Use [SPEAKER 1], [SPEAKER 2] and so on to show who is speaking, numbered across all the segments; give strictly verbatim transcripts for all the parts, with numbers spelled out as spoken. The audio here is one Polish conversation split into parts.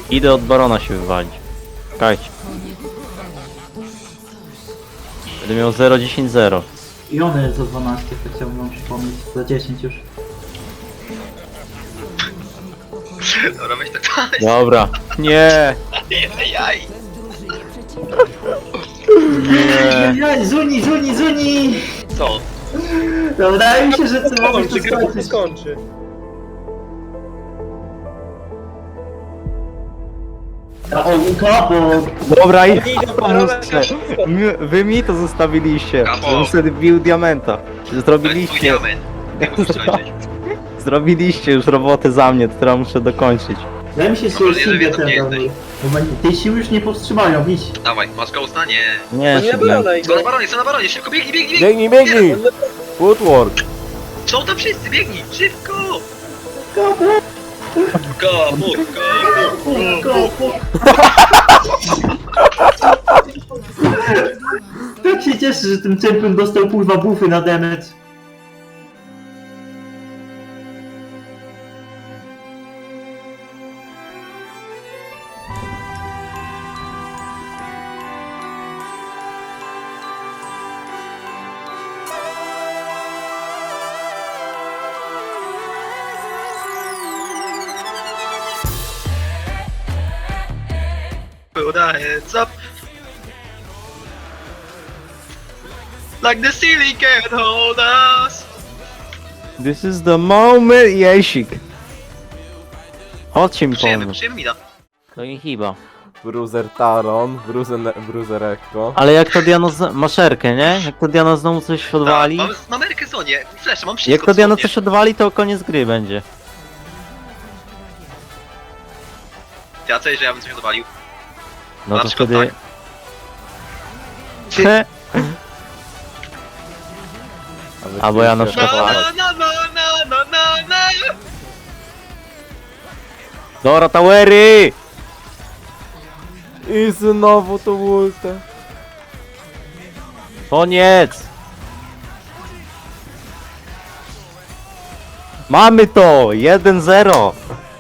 [SPEAKER 1] Idę od barona się wywalić. Czekajcie. Będę miał zero dziesięć zero.
[SPEAKER 2] I one jest za dwanaście, to chciałbym wam przypomnieć. Za dziesięć już.
[SPEAKER 3] Dobra, weź tak dalej.
[SPEAKER 1] Dobra. Nie.
[SPEAKER 3] Jaj.
[SPEAKER 1] Nie.
[SPEAKER 2] Jaj, Zuni, Zuni, Zuni!
[SPEAKER 3] Co?
[SPEAKER 2] No, wydaje mi się, że ty możesz to
[SPEAKER 4] Skończy, gra się
[SPEAKER 2] skończyć.
[SPEAKER 4] skończy.
[SPEAKER 2] O, kapo!
[SPEAKER 1] Dobra, i
[SPEAKER 4] Idę po
[SPEAKER 1] pomóżcie. My- Wy mi to zostawiliście.
[SPEAKER 3] Kapo.
[SPEAKER 1] Żebym sobie bił diamenta.
[SPEAKER 3] To jest twój
[SPEAKER 1] Zrobiliście.
[SPEAKER 3] diament. Ty musisz skończyć.
[SPEAKER 1] Zrobiliście już robotę za mnie, którą muszę dokończyć.
[SPEAKER 2] Wydaje mi się, że
[SPEAKER 3] Dobra,
[SPEAKER 2] jest
[SPEAKER 3] nie
[SPEAKER 2] Sylwia
[SPEAKER 3] wiem,
[SPEAKER 2] ten
[SPEAKER 3] nie
[SPEAKER 2] dobry. Bo ma- tej siły już nie powstrzymają, idź.
[SPEAKER 3] Dawaj, masz ghosta? Nie.
[SPEAKER 1] Nie,
[SPEAKER 4] To nie
[SPEAKER 1] szybko.
[SPEAKER 4] brona
[SPEAKER 3] Co na baronie, co na baronie, szybko biegnij, biegnij, biegnij!
[SPEAKER 5] Biegnij, biegnij! Footwork!
[SPEAKER 3] Są tam wszyscy, biegnij, szybko!
[SPEAKER 2] Kapo!
[SPEAKER 3] Kapu, kapu.
[SPEAKER 2] Kapo! Tak się cieszę, że ten champion dostał kurwa bufy na damage.
[SPEAKER 3] Put our heads up. Like the ceiling can't hold us.
[SPEAKER 1] This is the moment, Jesik. Chodźcie mi
[SPEAKER 3] Przyjemy,
[SPEAKER 1] pomóc.
[SPEAKER 3] przyjemy mida.
[SPEAKER 1] To nie chyba.
[SPEAKER 5] Bruiser Taron, Bruiser, Bruiser Ekko.
[SPEAKER 1] Ale jak to Diano z... maszerkę, nie? Jak to Diano znowu coś odwali.
[SPEAKER 3] Tak, mam, mam Erkę Zonie, flash, mam wszystko.
[SPEAKER 1] Jak to Diano
[SPEAKER 3] dosłownie.
[SPEAKER 1] coś odwali, to koniec gry będzie.
[SPEAKER 3] Ty, a co jeżeli ja bym coś odwalił?
[SPEAKER 1] No
[SPEAKER 3] Na
[SPEAKER 1] to
[SPEAKER 3] przykład
[SPEAKER 1] wtedy...
[SPEAKER 3] tak.
[SPEAKER 1] He,
[SPEAKER 5] A wy
[SPEAKER 1] Albo ja na
[SPEAKER 5] chcieliście
[SPEAKER 1] przykład-
[SPEAKER 3] Na,
[SPEAKER 5] atakować.
[SPEAKER 3] na, na, na, na, na, na.
[SPEAKER 1] Dora Towery!
[SPEAKER 5] I znowu to ultę.
[SPEAKER 1] Koniec! Mamy to! jeden zero!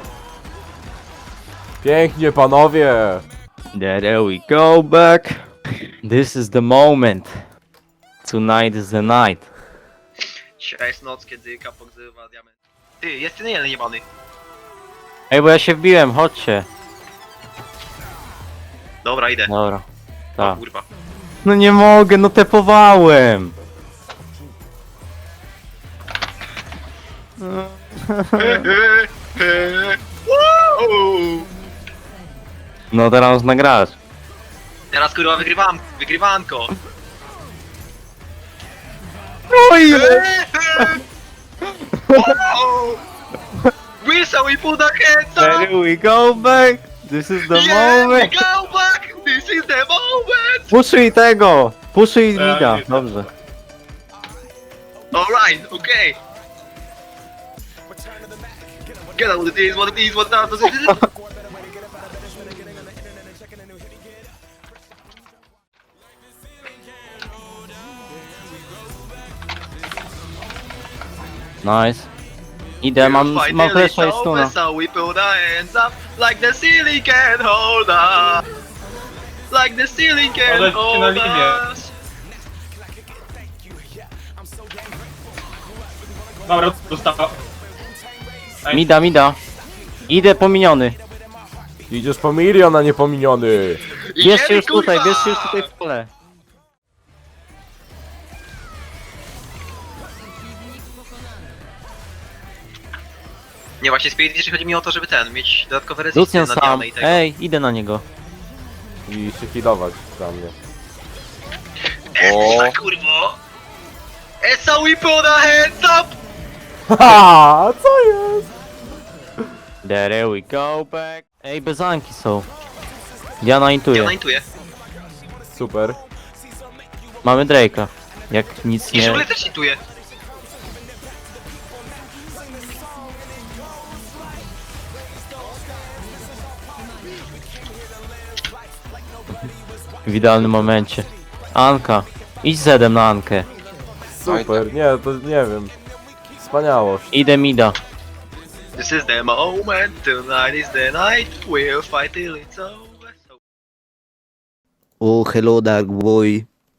[SPEAKER 5] Pięknie, panowie!
[SPEAKER 1] There we go back. This is the moment. Tonight is the night.
[SPEAKER 3] Dzisiaj jest noc, kiedy kapok zrywa diament. Ty, jest ten jeden jebany.
[SPEAKER 1] Ej, bo ja się wbiłem, chodźcie.
[SPEAKER 3] Dobra, idę.
[SPEAKER 1] Dobra.
[SPEAKER 3] O
[SPEAKER 1] Tak.
[SPEAKER 3] kurwa.
[SPEAKER 1] No nie mogę, no tepowałem.
[SPEAKER 3] Wow!
[SPEAKER 1] No teraz można grać.
[SPEAKER 3] Teraz kurwa wygrywam, wygrywanko.
[SPEAKER 1] Oj!
[SPEAKER 3] Whistle we put our hands up.
[SPEAKER 1] There we go back. This is the
[SPEAKER 3] Yeah, we
[SPEAKER 1] moment.
[SPEAKER 3] go back. This is the moment.
[SPEAKER 1] Puszuj tego! Puszuj mida. Dobrze.
[SPEAKER 3] Alright, okay. Get out with it is, what it is, what that does it.
[SPEAKER 1] Nice. Idę, mam, mam flesza i stuna.
[SPEAKER 3] So we put our hands up like the ceiling can hold us. Like the ceiling can
[SPEAKER 4] Ale cię na
[SPEAKER 3] hold
[SPEAKER 4] linię.
[SPEAKER 3] us.
[SPEAKER 4] Dobra, dostała.
[SPEAKER 1] Mida, mida. Idę pominiony.
[SPEAKER 5] Idziesz po milion, a nie po miniony.
[SPEAKER 1] Bierzcie
[SPEAKER 3] Idziemy,
[SPEAKER 1] już tutaj,
[SPEAKER 3] kurwa!
[SPEAKER 1] bierzcie już tutaj w pole.
[SPEAKER 3] Nie, właśnie Spirit jeszcze chodzi mi o to, żeby ten, mieć dodatkowe rezysty
[SPEAKER 1] Lucian
[SPEAKER 3] na
[SPEAKER 1] sam.
[SPEAKER 3] Dianę i tego.
[SPEAKER 1] Ej, idę na niego.
[SPEAKER 5] I się healować za mnie.
[SPEAKER 3] Essa, kurwo! Essa, we put our hands up!
[SPEAKER 5] Haha, co jest?
[SPEAKER 1] There we go back. Ej, bezanki są. Diana intuje.
[SPEAKER 3] Ja naintuję.
[SPEAKER 5] Super.
[SPEAKER 1] Mamy Drake'a. Jak nic
[SPEAKER 3] I
[SPEAKER 1] nie...
[SPEAKER 3] Żule też intuję.
[SPEAKER 1] W idealnym momencie. Anka. Idź zedem na Ankę.
[SPEAKER 5] Super, nie, to nie wiem. Wspaniałość.
[SPEAKER 1] Idę mida.
[SPEAKER 3] This is the moment, tonight is the night, we'll fight till it's over. So
[SPEAKER 4] Oh, hello, Dark Boy.